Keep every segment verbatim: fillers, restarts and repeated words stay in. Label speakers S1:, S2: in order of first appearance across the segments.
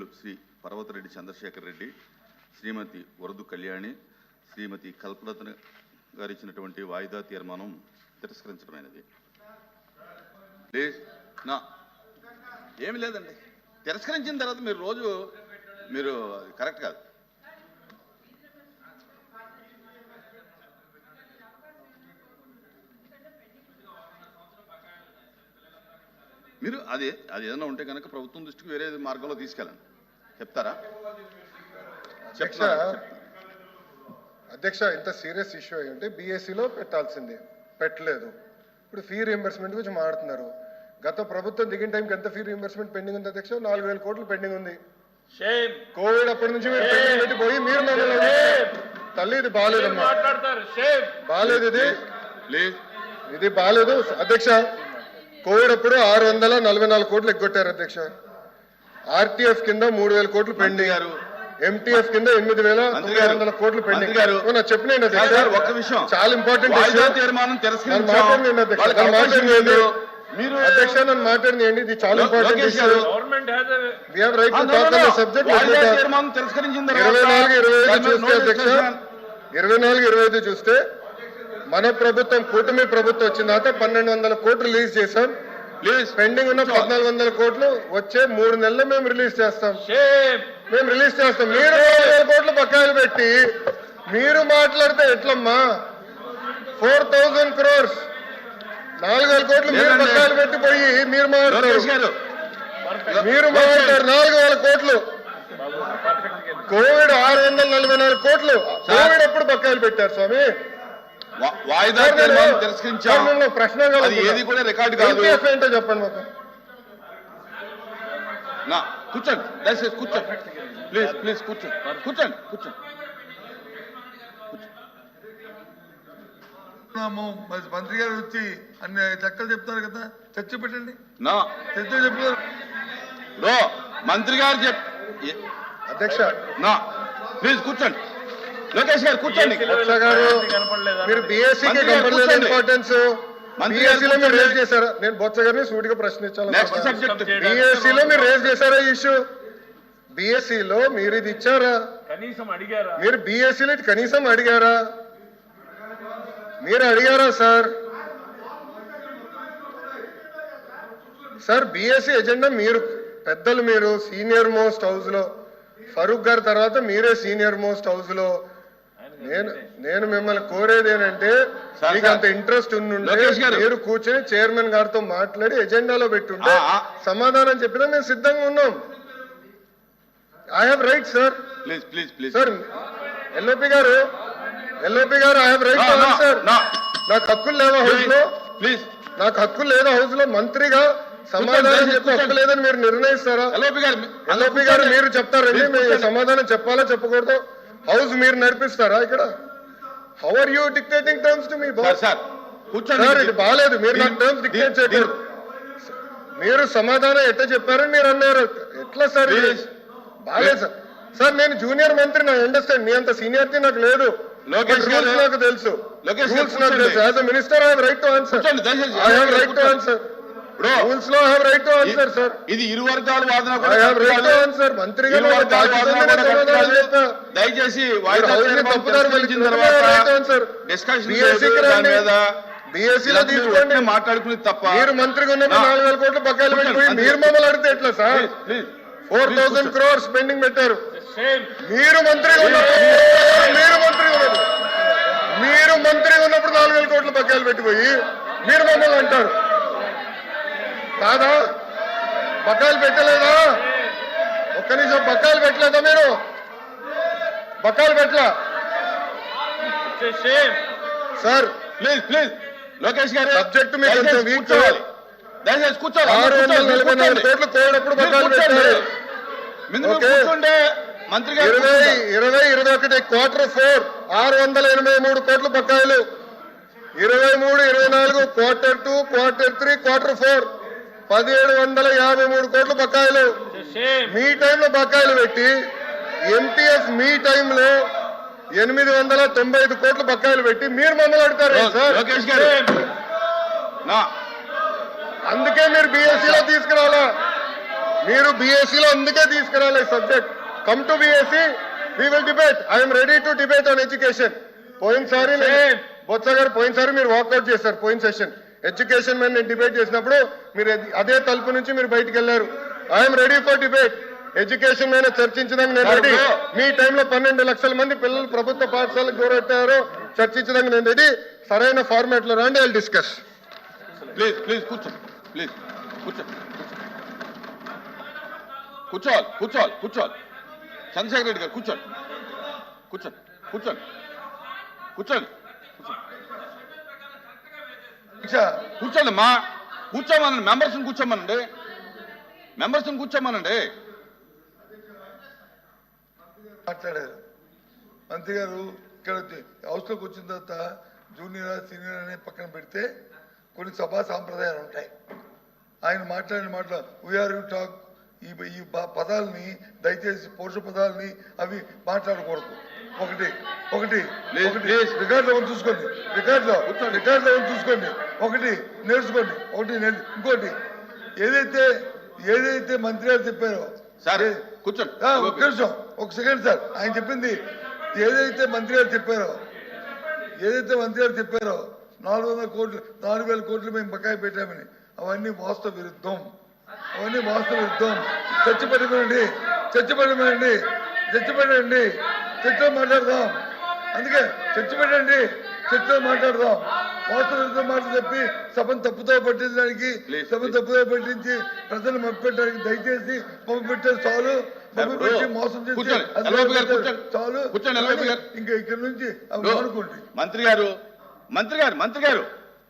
S1: శ్రీ పర్వతరెడ్డి చంద్రశేఖర్ రెడ్డి, శ్రీమతి వరదు కళ్యాణి, శ్రీమతి కల్పలత గారు ఇచ్చినటువంటి వాయిదా తీర్మానం తిరస్కరించడమైనది. ప్లీజ్ నా ఏమి లేదండి, తిరస్కరించిన తర్వాత మీరు రోజు మీరు కరెక్ట్ కాదు. మీరు అది అది ఏదైనా ఉంటే కనుక ప్రభుత్వం దృష్టికి వేరే మార్గంలో తీసుకెళ్ళండి. చెప్తారా?
S2: అధ్యక్ష, ఇంత సీరియస్ ఇష్యూ అయ్యి ఉంటే బీఎస్సీలో పెట్టాల్సిందే, పెట్టలేదు. ఇప్పుడు ఫీ రీఎంబర్స్మెంట్ గురించి మాట్లాడుతున్నారు. గత ప్రభుత్వం దిగిన టైంకి ఎంత ఫీ రీఎంబర్స్మెంట్ పెండింగ్ ఉంది అధ్యక్ష? నాలుగు వేల కోట్లు పెండింగ్ ఉంది. కోవిడ్ అప్పటి నుంచి మీరు పెండింగ్ పెట్టిపోయి మీరు తల్లి ఇది బాగాలేదమ్మా, బాగాలేదు, ఇది ఇది బాగాలేదు అధ్యక్ష. కోవిడ్ అప్పుడు ఆరు వందల నలభై నాలుగు కోట్లు ఎగ్గొట్టారు అధ్యక్ష. ఆర్టీఎఫ్ కింద మూడు వేల కోట్లు పెండింగ్, ఎంటీఎఫ్ కింద ఎనిమిది వేల తొమ్మిది వందల కోట్లు పెండింగ్. చెప్పిన చాలా ఇంపార్టెంట్ అధ్యక్ష, నన్ను మాట్లాడినండి, ఇది చాలా ఇంపార్టెంట్ ఇష్యూ. సబ్జెక్ట్ ఇరవై నాలుగు ఇరవై ఐదు చూస్తే అధ్యక్ష, ఇరవై నాలుగు ఇరవై ఐదు చూస్తే మన ప్రభుత్వం కూటమి ప్రభుత్వం వచ్చిన తర్వాత పన్నెండు వందల కోట్లు రిలీజ్ చేశాం. పెండింగ్ ఉన్న పద్నాలుగు వందల కోట్లు వచ్చే మూడు నెలలు మేము రిలీజ్ చేస్తాం మేము రిలీజ్ చేస్తాం మీరు నాలుగు వేల కోట్లు బకాయిలు పెట్టి మీరు మాట్లాడితే ఎట్లమ్మా? ఫోర్ థౌజండ్ క్రోర్స్ నాలుగు వేల కోట్లు మీరు బకాయిలు పెట్టిపోయి మీరు మాట్లాడతారు మీరు మాట్లాడతారు నాలుగు వేల కోట్లు. కోవిడ్ ఆరు వందల నలభై నాలుగు కోట్లు కోవిడ్ ఎప్పుడు బకాయిలు పెట్టారు స్వామి?
S1: వాయిదా ప్రశ్న ఏది కూడా రికార్డు కాదు.
S2: ఏంటో చెప్పండి మాకు.
S1: కూర్చోండి దయచేసి కూర్చోండి, ప్లీజ్ ప్లీజ్ కూర్చోండి కూర్చోండి కూర్చోండి.
S3: మంత్రి గారు వచ్చి అన్ని చక్కలు చెప్తారు కదా, చర్చ పెట్టండి. చర్చ చెప్తారు
S1: మంత్రి గారు చెప్
S2: అధ్యక్ష
S1: నా ప్లీజ్ కూర్చోండి. లోకేష్ గారు కూర్చోండి.
S2: మీరు బీఎస్సీకి కనపడలేదు ఇంపార్టెన్స్, బీఎస్సీలో మీరు రేజ్ చేశారా? నేను బొత్స గారిని సూటిగా ప్రశ్నించాను. బీఎస్సీలో మీరు రేజ్ చేశారా ఈ ఇష్యూ? బీఎస్సీలో మీరు ఇది ఇచ్చారా? మీరు బీఎస్సీలో ఇది కనీసం అడిగారా? మీరు అడిగారా సార్? సార్ బీఎస్సీ ఎజెండా మీరు పెద్దలు, మీరు సీనియర్ మోస్ట్ హౌస్ లో, ఫరూక్ గారి తర్వాత మీరే సీనియర్ మోస్ట్ హౌస్ లో. నేను నేను మిమ్మల్ని కోరేది ఏంటంటే, మీకు అంత ఇంట్రెస్ట్ ఉండుంటే మీరు కూర్చొని చైర్మన్ గారితో మాట్లాడి ఎజెండాలో పెట్టుంటే సమాధానం చెప్పినా మేము సిద్ధంగా ఉన్నాం. I have right sir.
S1: Please please please
S2: sir LOP గారు ఎల్ఓపి గారు I have right to answer. నాకు హక్కులు లేవా హౌస్ లో?
S1: ప్లీజ్
S2: నాకు హక్కులు లేదా హౌస్ లో? మంత్రిగా సమాధానం చెప్పి హక్కు లేదని మీరు నిర్ణయిస్తారా? ఎల్ఓపి గారు మీరు చెప్తారండి సమాధానం చెప్పాలా చెప్పకూడదు? హౌస్ మీరు నడిపిస్తారా ఇక్కడ? How are you dictating terms to me boss? Sir ఇది బాగాలేదు, మీరు నాకు టర్మ్స్ డిక్టేట్ చేయకూడదు. మీరు సమాధానం ఎట్లా చెప్పారని మీరు అన్నారు, ఎట్లా సార్? బాగాలేదు సార్. సార్ నేను జూనియర్ మంత్రి, నా అండర్స్టాండ్, మీ అంత సీనియారిటీ నాకు లేదు, రూల్స్ నాకు తెలుసు, రూల్స్ నాకు తెలుసు. As a minister I have right to answer, I have right to answer. Rules లో have right to answer sir.
S1: ఇది ఇరు వర్గాల వాదన.
S2: I have right to answer. మంత్రిగా
S1: దయచేసి
S2: బీఎస్సీలో తీసుకోండి,
S1: మాట్లాడుకుని తప్ప.
S2: మీరు మంత్రిగా ఉన్నప్పుడు నాలుగు వేల కోట్లు బకాయిలు పెట్టిపోయి మీరు మమ్మల్ని అడిగితే ఎట్లా sir? Four thousand crores pending పెట్టారు. మీరు మంత్రిగా ఉన్నప్పుడు మీరు మంత్రిగా ఉన్నప్పుడు మీరు మంత్రిగా ఉన్నప్పుడు నాలుగు వేల కోట్లు బకాయిలు పెట్టిపోయి మీరు మమ్మల్ని అంటారు కాదా? బకాయిలు పెట్టలేదా? ఒక్క నిమిషం, బకాయిలు పెట్టలేదా మీరు? బకాయిలు పెట్టలా సార్?
S1: ప్లీజ్ ప్లీజ్ లోకేష్ గారు
S2: సబ్జెక్ట్ మీకు కొంచెం వీక్ చేయాలి.
S1: దయచేసి కూర్చోవాలి.
S2: ఆరు వందల నలభై నాలుగు కోట్లు కోడప్పుడు బకాయిలు పెట్టారు.
S1: మంత్రి
S2: ఇరవై ఇరవై ఇరవై ఒకటి క్వార్టర్ ఫోర్ ఆరు వందల ఎనభై మూడు కోట్లు బకాయిలు. ఇరవై మూడు ఇరవై నాలుగు quarter two quarter three quarter four పదిహేడు వందల యాభై మూడు కోట్లు బకాయిలు. మీ టైంలో బకాయిలు పెట్టి ఎంటీఎఫ్ మీ టైంలో ఎనిమిది వందల తొంభై ఐదు కోట్లు బకాయిలు పెట్టి మీరు మమ్మల్ని అడుగుతారు సార్? అందుకే మీరు బీఎస్సీలో తీసుకురావాలా? మీరు బీఎస్సీలో అందుకే తీసుకురాలి subject. Come to BSC, we will debate. I'm ready to debate on education. పోయినసారి నేను- బొత్స గారు పోయినసారి మీరు వాకౌట్ చేశారు. పోయిన సెషన్ ఎడ్యుకేషన్ మీద నేను డిబేట్ చేసినప్పుడు మీరు అదే తలుపు నుంచి మీరు బయటికి వెళ్ళారు. I'm ready for debate. Education మీద చర్చించడానికి నేను రెడీ. మీ టైంలో పన్నెండు లక్షల మంది పిల్లలు ప్రభుత్వ పాఠశాలకు దూరెట్టారో చర్చించడానికి నేను రెడీ. సరైన ఫార్మాట్ లో రండి, ఐ డిస్కస్.
S1: ప్లీజ్ ప్లీజ్ కూర్చోండి, ప్లీజ్ కూర్చోండి, కూర్చోవాలి కూర్చోవాలి కూర్చోవాలి చంద్రశేఖర్ రెడ్డి గారు కూర్చోండి, కూర్చోండి కూర్చోండి కూర్చోండి కూర్చోండి మా కూర్చోమనండి. మెంబర్స్ని కూర్చోమనండి, మెంబర్స్ని కూర్చోమనండి.
S3: మాట్లాడారు మంత్రి గారు. ఇక్కడ హౌస్లోకి వచ్చిన తర్వాత జూనియర్ సీనియర్ అనే పక్కన పెడితే కొన్ని సభా సాంప్రదాయాలు ఉంటాయి. ఆయన మాట్లాడిన మాటలు వీఆర్ యూ టాక్, ఈ ఈ పదాలని దయచేసి పౌరుష పదాలని అవి మాట్లాడకూడదు. ఒకటి ఒకటి ఒకటి రికార్డులో ఉంది చూసుకోండి, రికార్డులో రికార్డులో ఉంది చూసుకోండి. ఒకటి నేర్చుకోండి, ఒకటి నేర్చు ఇంకోటి ఏదైతే ఏదైతే మంత్రి గారు చెప్పారో
S1: సార్ కూర్చోండి.
S3: ఒక నిమిషం, ఒక సెకండ్ సార్. ఆయన చెప్పింది ఏదైతే మంత్రి గారు చెప్పారో ఏదైతే మంత్రి గారు చెప్పారో నాలుగు వందల కోట్లు నాలుగు వేల కోట్లు మేము బకాయి పెట్టామని, అవన్నీ వాస్తవ విరుద్ధం. అవన్నీ వాస్తవ విరుద్ధం. చర్చ పెట్టమనండి, చర్చ పెట్టమనండి, చర్చ పెట్టండి, చర్చలో మాట్లాడదాం. అందుకే చర్చ పెట్టండి, చర్చలో మాట్లాడదాం. వాస్తవ విరుద్ధం మాటలు చెప్పి సభను తప్పుతో పట్టించడానికి, సభను తప్పుతో పట్టించి ప్రజలు మప్పెట్టడానికి దయచేసి పంపు పెట్టారు చాలు. పంపు పెట్టి మోసం చేసి చాలు. ఇంకా ఇక్కడ నుంచి అనుకోండి.
S1: మంత్రి గారు మంత్రి గారు మంత్రి గారు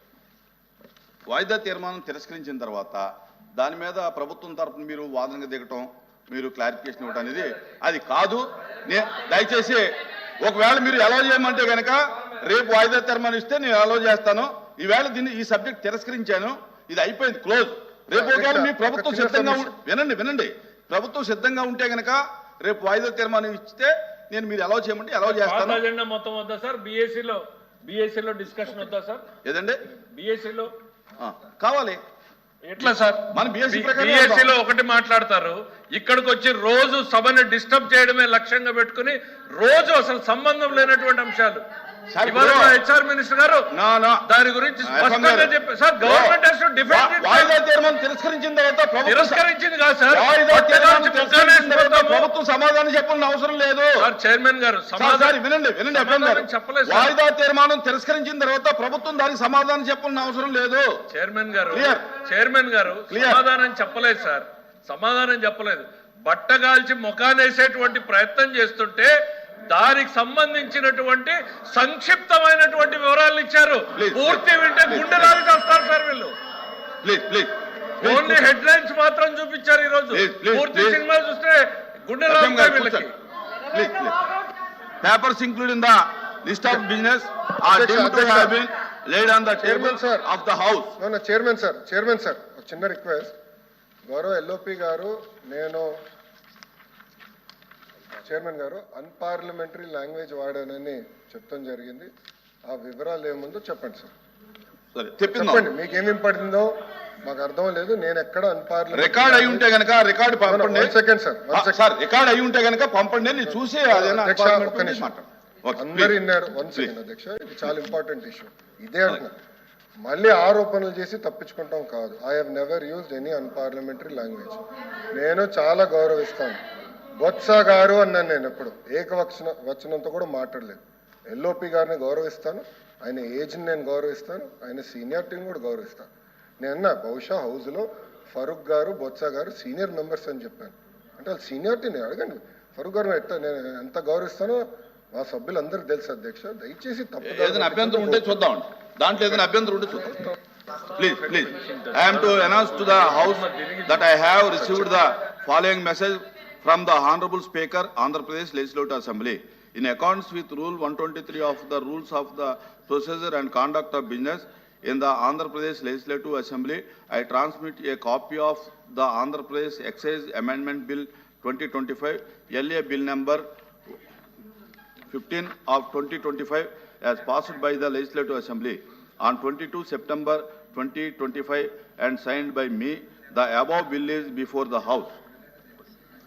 S1: వాయిదా తీర్మానం తిరస్కరించిన తర్వాత దాని మీద ప్రభుత్వం తరఫున మీరు వాదనగా దిగటం, మీరు క్లారిఫికేషన్ ఇవ్వటం అనేది అది కాదు. నే దయచేసి ఒకవేళ మీరు అలౌ చేయమంటే కనుక రేపు వాయిదా తీర్మానం ఇస్తే నేను అలౌ చేస్తాను. ఈవేళ దీన్ని ఈ సబ్జెక్ట్ తిరస్కరించాను, ఇది అయిపోయింది, క్లోజ్. రేపు ఒకవేళ మీ ప్రభుత్వం సిద్ధంగా వినండి వినండి ప్రభుత్వం సిద్ధంగా ఉంటే కనుక రేపు వాయిదా తీర్మానం ఇస్తే నేను మీరు అలౌ చేయమంటే అలౌ చేస్తాను.
S4: అజెండా మొత్తం వద్దా సార్? బీఎస్సీలో బీఎస్సీలో డిస్కషన్ వద్దా సార్?
S1: ఏదండి
S4: బీఎస్సీలో
S1: కావాలి.
S4: ఎట్లా సార్?
S1: మన
S4: బీఎస్సీలో ఒకటి మాట్లాడతారు, ఇక్కడికి వచ్చి రోజు సభని డిస్టర్బ్ చేయడమే లక్ష్యంగా పెట్టుకుని రోజు అసలు సంబంధం లేనటువంటి అంశాలు. హెచ్ఆర్ మినిస్టర్ గారు దాని గురించి స్పష్టంగా చెప్పారు sir. Government has to defend it.
S1: వాయిదా తీర్మానం తిరస్కరించిన తర్వాత
S4: తిరస్కరించింది కాదు సార్,
S1: ప్రభుత్వం సమాధానం చెప్పాల్సిన అవసరం లేదు
S4: సార్. చైర్మన్ గారు
S1: సమాధానం వినండి వినండి చెప్పలేదు. వాయిదా తీర్మానం తిరస్కరించిన తర్వాత ప్రభుత్వం దానికి సమాధానం చెప్పాల్సిన అవసరం లేదు.
S4: చైర్మన్ గారు చైర్మన్ గారు సమాధానం చెప్పలేదు సార్, సమాధానం చెప్పలేదు. బట్టగాల్చి ముఖానేసేటువంటి ప్రయత్నం చేస్తుంటే దానికి సంబంధించినటువంటి సంక్షిప్తమైనటువంటి వివరాలు ఇచ్చారు. పూర్తి వింటే గుండె రాలి చేస్తారు సార్ వీళ్ళు. ఓన్లీ హెడ్ లైన్స్ మాత్రం చూపించారు ఈ రోజు. పూర్తి సినిమా చూస్తే గుండె రాలి వీళ్ళకి.
S1: Papers include in the list of business are deemed to have been laid on the table of the house.
S2: No, no, chairman sir, chairman sir, ఒక చిన్న రిక్వెస్ట్. గౌరవ ఎల్ఓపి గారు, నేను చైర్మన్ గారు అన్పార్లమెంటరీ లాంగ్వేజ్ వాడానని చెప్తాం జరిగింది. ఆ వివరాలు ఏముందో చెప్పండి సార్.
S1: సరే
S2: చెప్పండి, మీకేం ఇంపడిందో మాకు అర్థం లేదు. నేను ఎక్కడ అన్పార్లమెంటరీ
S1: రికార్డ్ అయి ఉంటే గనక రికార్డ్ పంపండి.
S2: సెకండ్ సార్,
S1: సార్ రికార్డ్ అయి ఉంటే గనక పంపండి, నేను చూసి
S2: అందరు విన్నారు. వన్ సెకండ్ అధ్యక్ష, ఇది చాలా ఇంపార్టెంట్ ఇష్యూ. ఇదే అంటున్నా, మళ్ళీ ఆరోపణలు చేసి తప్పించుకుంటాం కాదు. I have never used any unparliamentary language. నేను చాలా గౌరవిస్తాను. బొత్స గారు అన్నాను, నేను ఎప్పుడు ఏకవచన వచనంతో కూడా మాట్లాడలేదు. ఎల్ఓపి గారిని గౌరవిస్తాను, ఆయన ఏజ్ని నేను గౌరవిస్తాను, ఆయన సీనియారిటీని కూడా గౌరవిస్తాను. నేను బహుశా హౌస్లో ఫరూక్ గారు, బొత్స గారు సీనియర్ మెంబర్స్ అని చెప్పాను. అంటే వాళ్ళు సీనియారిటీని అడగండి. ఫరూక్ గారు ఎట్లా నేను ఎంత గౌరవిస్తానో మా సభ్యులందరికీ తెలుసు అధ్యక్ష. దయచేసి తప్పు
S1: ఏదైనా అభ్యంతరం ఉంటే చూద్దాం, దాంట్లో ఏదైనా అభ్యంతరం ఉంటే చూద్దాం. Please please I have to announce to the house that I have received the following message from the Honorable Speaker, Andhra Pradesh Legislative Assembly. In accordance with Rule one twenty-three of the Rules of the Procedure and Conduct of Business in the Andhra Pradesh Legislative Assembly, I transmit a copy of the Andhra Pradesh Excise Amendment Bill twenty twenty-five, L A Bill number fifteen of twenty twenty-five, as passed by the Legislative Assembly on twenty-second September twenty twenty-five and signed by me. The above bill is before the House.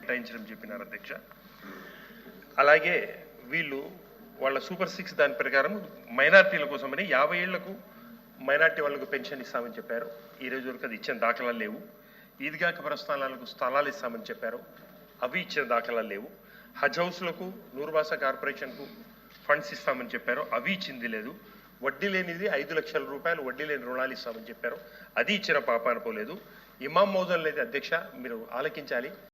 S5: కేటాయించడం చెప్పినారు అధ్యక్ష. అలాగే వీళ్ళు వాళ్ళ super six దాని ప్రకారం మైనార్టీల కోసమని యాభై ఏళ్లకు మైనార్టీ వాళ్ళకు పెన్షన్ ఇస్తామని చెప్పారు. ఈ రోజు వరకు అది ఇచ్చిన దాఖలాలు లేవు. ఈద్గా కబ్రస్థానాలకు స్థలాలు ఇస్తామని చెప్పారు, అవి ఇచ్చిన దాఖలాలు లేవు. హజ్ హౌస్లకు నూరుబాసా కార్పొరేషన్కు ఫండ్స్ ఇస్తామని చెప్పారు, అవి ఇచ్చింది లేదు. వడ్డీ లేనిది ఐదు లక్షల రూపాయలు వడ్డీ లేని రుణాలు ఇస్తామని చెప్పారు, అది ఇచ్చిన పాపాన పోలేదు. ఇమాం మౌజన్ లేదు అధ్యక్ష, మీరు ఆలకించాలి.